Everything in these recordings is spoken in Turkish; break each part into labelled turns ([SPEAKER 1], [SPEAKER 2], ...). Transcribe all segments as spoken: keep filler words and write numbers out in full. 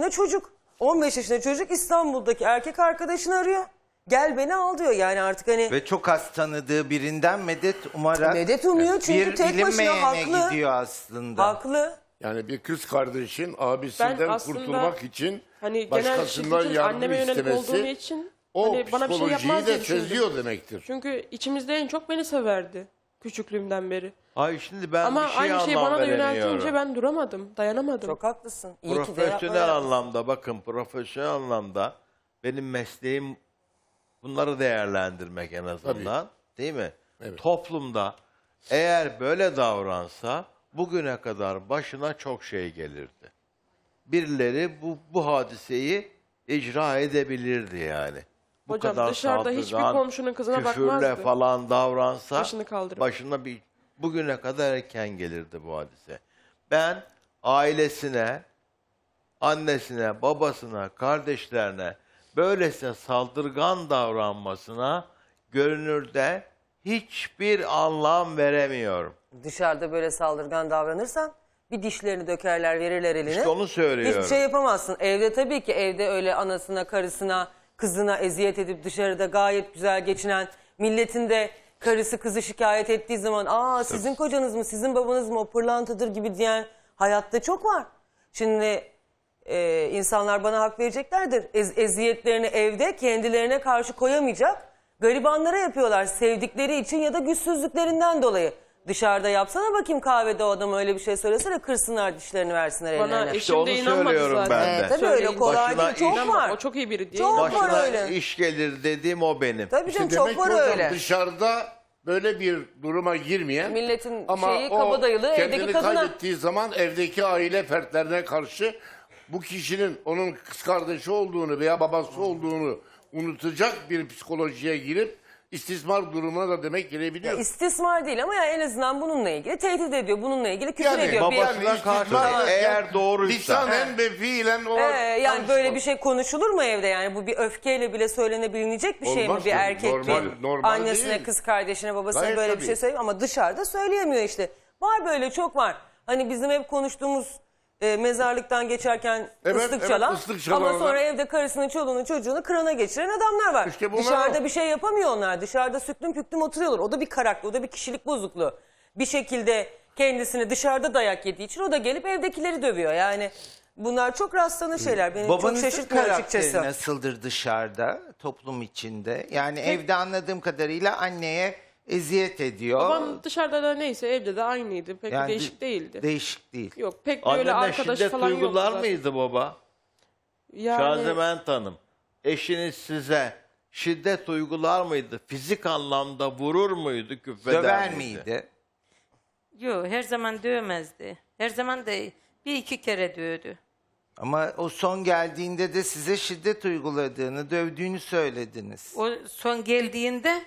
[SPEAKER 1] yaşında çocuk. on beş yaşında çocuk İstanbul'daki erkek arkadaşını arıyor. Gel beni al diyor yani artık hani.
[SPEAKER 2] Ve çok az tanıdığı birinden medet umarak
[SPEAKER 1] Medet umuyor çünkü
[SPEAKER 2] bir
[SPEAKER 1] tek başına
[SPEAKER 2] bilinmeyene
[SPEAKER 1] haklı.
[SPEAKER 2] gidiyor aslında.
[SPEAKER 1] Haklı.
[SPEAKER 3] Yani bir kız kardeşin abisinden
[SPEAKER 4] aslında
[SPEAKER 3] kurtulmak için
[SPEAKER 4] Hani genel
[SPEAKER 3] başkasından
[SPEAKER 4] şiddetin
[SPEAKER 3] yardım
[SPEAKER 4] anneme yönelik olduğum
[SPEAKER 3] istemesi
[SPEAKER 4] için
[SPEAKER 3] o
[SPEAKER 4] hani bana bir şey
[SPEAKER 3] psikolojiyi
[SPEAKER 4] yapmaz diye
[SPEAKER 3] de
[SPEAKER 4] düşündüm.
[SPEAKER 3] çözüyor demektir.
[SPEAKER 4] Çünkü içimizde en çok beni severdi küçüklüğümden beri.
[SPEAKER 5] Ay şimdi ben
[SPEAKER 4] Ama
[SPEAKER 5] bir şey
[SPEAKER 4] aynı şeyi
[SPEAKER 5] anlam
[SPEAKER 4] bana da
[SPEAKER 5] veremiyorum.
[SPEAKER 4] yöneltince ben duramadım, dayanamadım.
[SPEAKER 1] Çok haklısın. İyi ki de
[SPEAKER 5] Profesyonel
[SPEAKER 1] yapmaya-
[SPEAKER 5] anlamda bakın profesyonel anlamda benim mesleğim bunları değerlendirmek en azından değil mi?
[SPEAKER 3] Evet.
[SPEAKER 5] Toplumda eğer böyle davransa bugüne kadar başına çok şey gelirdi. Birileri bu, bu hadiseyi icra edebilirdi yani. Bu
[SPEAKER 4] Hocam
[SPEAKER 5] kadar
[SPEAKER 4] dışarıda hiçbir
[SPEAKER 5] saldırgan,
[SPEAKER 4] komşunun kızına
[SPEAKER 5] küfürle
[SPEAKER 4] bakmazdı.
[SPEAKER 5] falan davransa
[SPEAKER 4] Başını kaldırıp.
[SPEAKER 5] başına bir bugüne kadar erken gelirdi bu hadise. Ben ailesine, annesine, babasına, kardeşlerine böylesine saldırgan davranmasına görünürde hiçbir anlam veremiyorum.
[SPEAKER 1] Dışarıda böyle saldırgan davranırsan bir dişlerini dökerler, verirler eline.
[SPEAKER 5] İşte onu söylüyorum.
[SPEAKER 1] Hiçbir şey yapamazsın. Evde tabii ki evde öyle anasına, karısına, kızına eziyet edip dışarıda gayet güzel geçinen milletin de karısı kızı şikayet ettiği zaman aa sizin kocanız mı, sizin babanız mı o pırlantadır gibi diyen hayatta çok var. Şimdi e, insanlar bana hak vereceklerdir. Ez, eziyetlerini evde kendilerine karşı koyamayacak garibanlara yapıyorlar sevdikleri için ya da güçsüzlüklerinden dolayı. Dışarıda yapsana bakayım kahvede o adam öyle bir şey söylesene kırsınlar dişlerini versinler
[SPEAKER 4] Bana
[SPEAKER 1] ellerine.
[SPEAKER 4] eşim de
[SPEAKER 5] onu
[SPEAKER 4] inanmadı
[SPEAKER 5] söylüyorum
[SPEAKER 4] zaten.
[SPEAKER 5] ben de.
[SPEAKER 1] Ee, tabii öyle
[SPEAKER 4] Söyleyince.
[SPEAKER 1] kolay
[SPEAKER 5] Başına
[SPEAKER 1] değil çok
[SPEAKER 5] iş-
[SPEAKER 1] var.
[SPEAKER 4] O çok iyi biri değil.
[SPEAKER 1] Çok var
[SPEAKER 5] Başına
[SPEAKER 1] öyle.
[SPEAKER 5] iş gelir dediğim o benim.
[SPEAKER 1] Tabii canım
[SPEAKER 3] İşte
[SPEAKER 1] çok
[SPEAKER 3] demek
[SPEAKER 1] var
[SPEAKER 3] ki hocam
[SPEAKER 1] öyle.
[SPEAKER 3] dışarıda böyle bir duruma girmeyen
[SPEAKER 1] Milletin
[SPEAKER 3] ama
[SPEAKER 1] şeyi
[SPEAKER 3] o
[SPEAKER 1] kabadayılığı evdeki
[SPEAKER 3] kendini
[SPEAKER 1] kadına.
[SPEAKER 3] kaybettiği zaman evdeki aile fertlerine karşı bu kişinin onun kız kardeşi olduğunu veya babası olduğunu unutacak bir psikolojiye girip istismar durumuna da demek girebiliyor.
[SPEAKER 1] İstismar değil ama yani en azından bununla ilgili tehdit ediyor. Bununla ilgili küfür
[SPEAKER 3] Yani
[SPEAKER 1] ediyor. Bir-
[SPEAKER 5] babasına karşı
[SPEAKER 3] istismar-
[SPEAKER 5] eğer doğruysa.
[SPEAKER 3] Lisanen ve fiilen o
[SPEAKER 1] Ee, yani böyle bir şey konuşulur mu evde yani bu bir öfkeyle bile söylenebilecek bir şey mi
[SPEAKER 3] Olmaz
[SPEAKER 1] bir
[SPEAKER 3] tabii,
[SPEAKER 1] erkek
[SPEAKER 3] normal-
[SPEAKER 1] bir
[SPEAKER 3] normal
[SPEAKER 1] annesine
[SPEAKER 3] değil.
[SPEAKER 1] kız kardeşine babasına
[SPEAKER 3] Gayet
[SPEAKER 1] böyle
[SPEAKER 3] tabii.
[SPEAKER 1] bir şey söyleyeyim ama dışarıda söyleyemiyor işte. Var böyle çok var. Hani bizim hep konuştuğumuz e, mezarlıktan geçerken
[SPEAKER 3] Evet,
[SPEAKER 1] ıslık
[SPEAKER 3] evet,
[SPEAKER 1] çalan
[SPEAKER 3] ıslık
[SPEAKER 1] ama
[SPEAKER 3] çalanlar.
[SPEAKER 1] sonra evde karısını çoluğunu çocuğunu kırana geçiren adamlar var.
[SPEAKER 3] İşte bunlar
[SPEAKER 1] Dışarıda
[SPEAKER 3] o.
[SPEAKER 1] bir şey yapamıyor onlar. Dışarıda süklüm püklüm oturuyorlar. O da bir karakter, o da bir kişilik bozukluğu. Bir şekilde kendisini dışarıda dayak yediği için o da gelip evdekileri dövüyor. Yani bunlar çok rastlanan şeyler. Beni çok
[SPEAKER 2] Babanızın
[SPEAKER 1] şaşırtmıyor
[SPEAKER 2] karakteri
[SPEAKER 1] açıkçası.
[SPEAKER 2] nasıldır dışarıda, toplum içinde? Yani evde anladığım kadarıyla anneye eziyet ediyor.
[SPEAKER 4] Babam dışarıda da neyse evde de aynıydı. Pek
[SPEAKER 2] Yani
[SPEAKER 4] değişik değildi.
[SPEAKER 2] Değişik değil.
[SPEAKER 4] Yok pek de öyle
[SPEAKER 5] Annene
[SPEAKER 4] arkadaş
[SPEAKER 5] şiddet
[SPEAKER 4] falan yoktu
[SPEAKER 5] uygular
[SPEAKER 4] zaten.
[SPEAKER 5] mıydı baba?
[SPEAKER 4] Yani
[SPEAKER 5] Şaziment Hanım, eşiniz size şiddet uygular mıydı? Fizik anlamda vurur muydu, küfreder
[SPEAKER 2] Döver
[SPEAKER 5] miydi?
[SPEAKER 2] miydi?
[SPEAKER 6] Yok her zaman dövmezdi. Her zaman da bir iki kere dövdü.
[SPEAKER 2] Ama o son geldiğinde de size şiddet uyguladığını, dövdüğünü söylediniz.
[SPEAKER 6] O son geldiğinde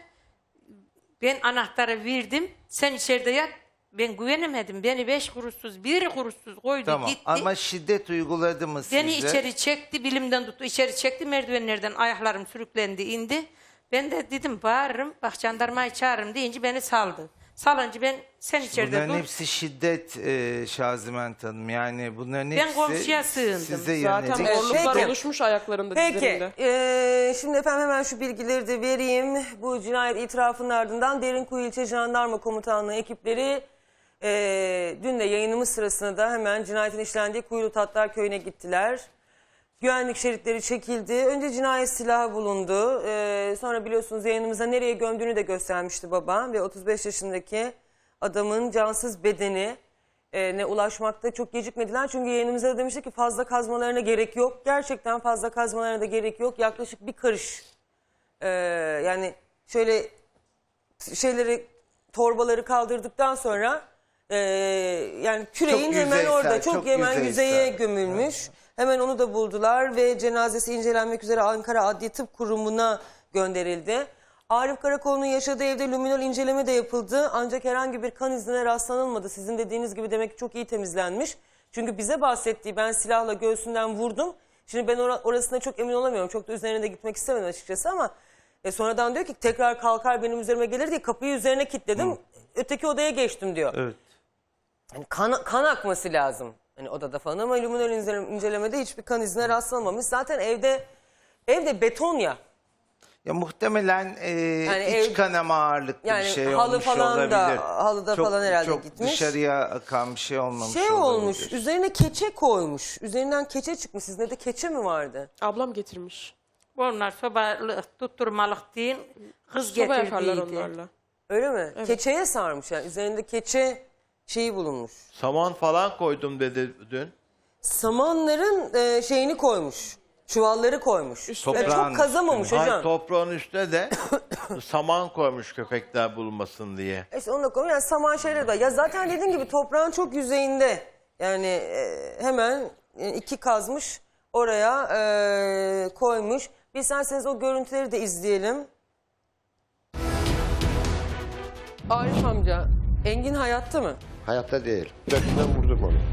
[SPEAKER 6] ben anahtarı verdim. Sen içeride yat. Ben güvenemedim. Beni beş kuruşsuz, bir kuruşsuz koydu
[SPEAKER 2] Tamam
[SPEAKER 6] gitti.
[SPEAKER 2] ama şiddet uyguladı mı size?
[SPEAKER 6] Beni içeri çekti, bilimden tuttu. İçeri çekti, merdivenlerden ayaklarım sürüklendi, indi. Ben de dedim bağırırım, bak jandarmayı çağırırım deyince beni saldı. Salınca ben sen içeride
[SPEAKER 2] Bunların
[SPEAKER 6] dur.
[SPEAKER 2] hepsi şiddet e, Şaziment Hanım. Yani bunların hepsi
[SPEAKER 6] komşuya sığındım.
[SPEAKER 2] size
[SPEAKER 4] zaten
[SPEAKER 2] yönelik.
[SPEAKER 1] Evet,
[SPEAKER 4] morluklar
[SPEAKER 1] peki.
[SPEAKER 4] oluşmuş ayaklarında,
[SPEAKER 1] Peki
[SPEAKER 4] dizlerinde.
[SPEAKER 1] eee, şimdi efendim hemen şu bilgileri de vereyim. Bu cinayet itirafının ardından Derinkuyu İlçe Jandarma Komutanlığı ekipleri eee, dün de yayınımız sırasında da hemen cinayetin işlendiği Kuyulu Tatlar Köyü'ne gittiler. Güvenlik şeritleri çekildi. Önce cinayet silahı bulundu. Eee, sonra biliyorsunuz yayınımıza nereye gömdüğünü de göstermişti baba. Ve otuz beş yaşındaki adamın cansız bedeni e, ne ulaşmakta çok gecikmediler. Çünkü yayınımızda da demiştik ki fazla kazmalarına gerek yok. Gerçekten fazla kazmalarına da gerek yok. Yaklaşık bir karış. Ee, yani şöyle şeyleri torbaları kaldırdıktan sonra e, yani küreğin
[SPEAKER 2] Çok
[SPEAKER 1] hemen
[SPEAKER 2] yüzeysel,
[SPEAKER 1] orada çok,
[SPEAKER 2] çok
[SPEAKER 1] hemen
[SPEAKER 2] yüzeysel.
[SPEAKER 1] yüzeye gömülmüş. Hemen onu da buldular ve cenazesi incelenmek üzere Ankara Adli Tıp Kurumu'na gönderildi. Arif Karakoğlu'nun yaşadığı evde luminol inceleme de yapıldı. Ancak herhangi bir kan izine rastlanılmadı. Sizin dediğiniz gibi demek ki çok iyi temizlenmiş. Çünkü bize bahsettiği ben silahla göğsünden vurdum. Şimdi ben or orasına çok emin olamıyorum. Çok da üzerine de gitmek istemedim açıkçası ama e, sonradan diyor ki tekrar kalkar benim üzerime gelir diye kapıyı üzerine kilitledim. Öteki odaya geçtim diyor.
[SPEAKER 2] Evet.
[SPEAKER 1] Yani kan, kan akması lazım. Hani odada falan ama luminol ince- incelemede hiçbir kan izine rastlanmamış. Zaten evde evde beton ya.
[SPEAKER 2] Ya muhtemelen e, iç
[SPEAKER 1] ev-
[SPEAKER 2] kanama ağırlıklı
[SPEAKER 1] yani
[SPEAKER 2] bir şey
[SPEAKER 1] halı
[SPEAKER 2] olmuş
[SPEAKER 1] falan
[SPEAKER 2] olabilir.
[SPEAKER 1] da- halıda
[SPEAKER 2] çok,
[SPEAKER 1] falan herhalde
[SPEAKER 2] çok
[SPEAKER 1] gitmiş.
[SPEAKER 2] dışarıya akan bir şey olmamış
[SPEAKER 1] Şey olmuş,
[SPEAKER 2] olabilir.
[SPEAKER 1] üzerine keçe koymuş. Üzerinden keçe çıkmış. Sizde de keçe mi vardı?
[SPEAKER 4] Ablam getirmiş.
[SPEAKER 6] Onlar sobalık tutturmalık değil, kız
[SPEAKER 4] Soba yakarlar
[SPEAKER 6] getirdiydi.
[SPEAKER 4] onlarla.
[SPEAKER 1] Öyle mi? Keçeye sarmış yani. Üzerinde keçe şeyi bulunmuş.
[SPEAKER 5] Saman falan koydum dedi dün.
[SPEAKER 1] Samanların e, şeyini koymuş. Çuvalları koymuş.
[SPEAKER 4] Üstüne.
[SPEAKER 1] Ya
[SPEAKER 2] Toprağın
[SPEAKER 1] çok kazamamış
[SPEAKER 2] üstüne.
[SPEAKER 1] hocam.
[SPEAKER 5] Hayır, toprağın üstüne de saman koymuş köpekler bulmasın diye.
[SPEAKER 1] İşte onu da koymuş. Yani saman şeyleri de. Ya zaten dediğim gibi toprağın çok yüzeyinde. Yani e, hemen e, iki kazmış oraya e, koymuş. Bir isterseniz o görüntüleri de izleyelim. Arif amca, Engin hayatta mı?
[SPEAKER 7] Hayatta değil. Dökünden vurdum onu.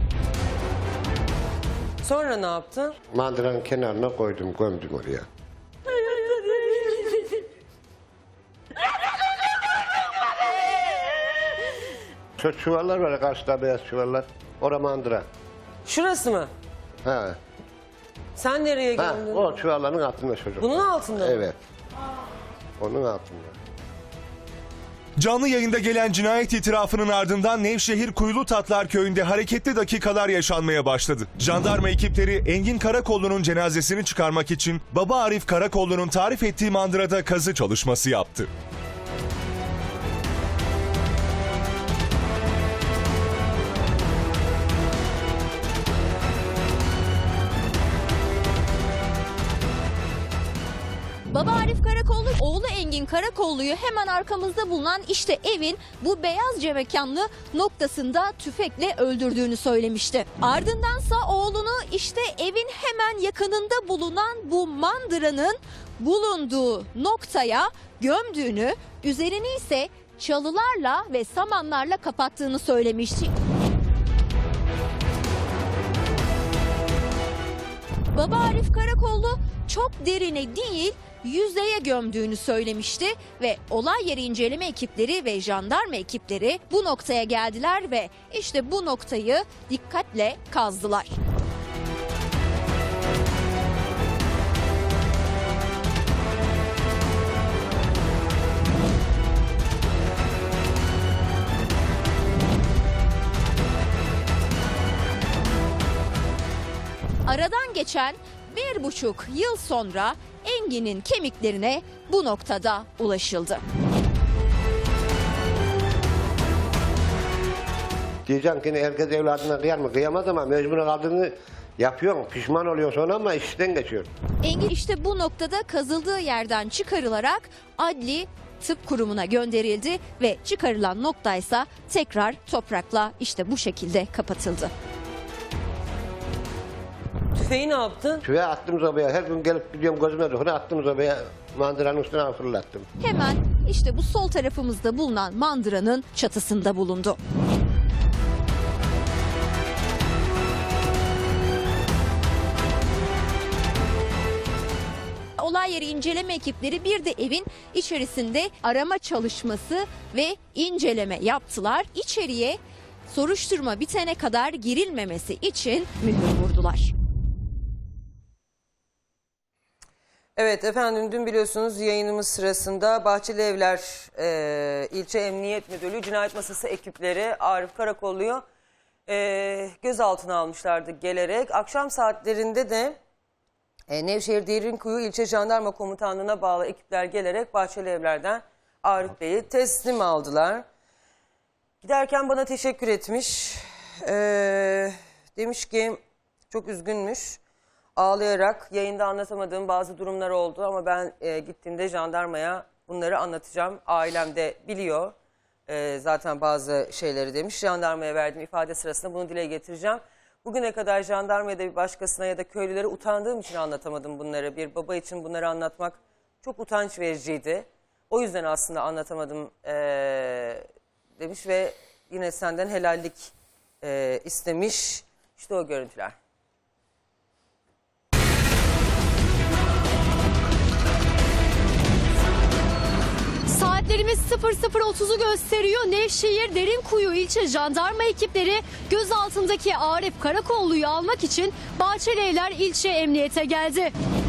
[SPEAKER 1] Sonra ne yaptın?
[SPEAKER 7] Mandıranın kenarına koydum, gömdüm oraya. Şu çuvallar var ya, karşıda beyaz çuvallar. Ora mandıra.
[SPEAKER 1] Şurası mı?
[SPEAKER 7] Ha.
[SPEAKER 1] Sen nereye
[SPEAKER 7] Ha,
[SPEAKER 1] gömdün?
[SPEAKER 7] o çuvalların altında çocuk.
[SPEAKER 1] Bunun altında mı?
[SPEAKER 7] Evet. Onun altında.
[SPEAKER 8] Canlı yayında gelen cinayet itirafının ardından Nevşehir Kuyulutatlar köyünde hareketli dakikalar yaşanmaya başladı. Jandarma ekipleri Engin Karakollu'nun cenazesini çıkarmak için baba Arif Karakollu'nun tarif ettiği mandırada kazı çalışması yaptı.
[SPEAKER 9] Baba Arif Karakollu, oğlu Engin Karakollu'yu hemen arkamızda bulunan işte evin bu beyazca mekanlı noktasında tüfekle öldürdüğünü söylemişti. Ardındansa oğlunu işte evin hemen yakınında bulunan bu mandıranın bulunduğu noktaya gömdüğünü, üzerini ise çalılarla ve samanlarla kapattığını söylemişti. Baba Arif Karakollu çok derine değil, yüzeye gömdüğünü söylemişti ve olay yeri inceleme ekipleri ve jandarma ekipleri bu noktaya geldiler ve işte bu noktayı dikkatle kazdılar. Aradan geçen bir buçuk yıl sonra Engin'in kemiklerine bu noktada ulaşıldı.
[SPEAKER 7] Diyeceğim ki herkes evladına kıyar mı? Kıyamaz ama mecbur kaldığını yapıyorsun. Pişman oluyorsun sonra ama işten geçiyor.
[SPEAKER 9] Engin işte bu noktada kazıldığı yerden çıkarılarak Adli Tıp Kurumu'na gönderildi ve çıkarılan noktaysa tekrar toprakla işte bu şekilde kapatıldı.
[SPEAKER 1] Tüfeği ne yaptın?
[SPEAKER 7] Tüve attım sobaya. Her gün gelip gidiyorum gözüme dokuna attım sobaya. Mandıranın üstüne fırlattım.
[SPEAKER 9] Hemen işte bu sol tarafımızda bulunan mandıranın çatısında bulundu. Olay yeri inceleme ekipleri bir de evin içerisinde arama çalışması ve inceleme yaptılar. İçeriye soruşturma bitene kadar girilmemesi için mühür vurdular.
[SPEAKER 1] Evet efendim, dün biliyorsunuz yayınımız sırasında Bahçeli Evler e, İlçe Emniyet Müdürlüğü Cinayet Masası ekipleri Arif Karakollu'yu e, gözaltına almışlardı gelerek. Akşam saatlerinde de e, Nevşehir Derinkuyu İlçe Jandarma Komutanlığı'na bağlı ekipler gelerek Bahçeli Evler'den Arif Bey'i teslim aldılar. Giderken bana teşekkür etmiş. E, demiş ki çok üzgünmüş. Ağlayarak yayında anlatamadığım bazı durumlar oldu ama ben e, gittiğimde jandarmaya bunları anlatacağım. Ailem de biliyor e, zaten bazı şeyleri demiş. Jandarmaya verdiğim ifade sırasında bunu dile getireceğim. Bugüne kadar jandarmaya da bir başkasına ya da köylülere utandığım için anlatamadım bunları. Bir baba için bunları anlatmak çok utanç vericiydi. O yüzden aslında anlatamadım e, demiş ve yine senden helallik e, istemiş. İşte o görüntüler.
[SPEAKER 9] Saatleri
[SPEAKER 10] Saatlerimiz sıfır sıfır otuzu gösteriyor. Nevşehir Derinkuyu ilçe jandarma ekipleri gözaltındaki Arif Karakollu'yu almak için Bahçelievler ilçe emniyete geldi.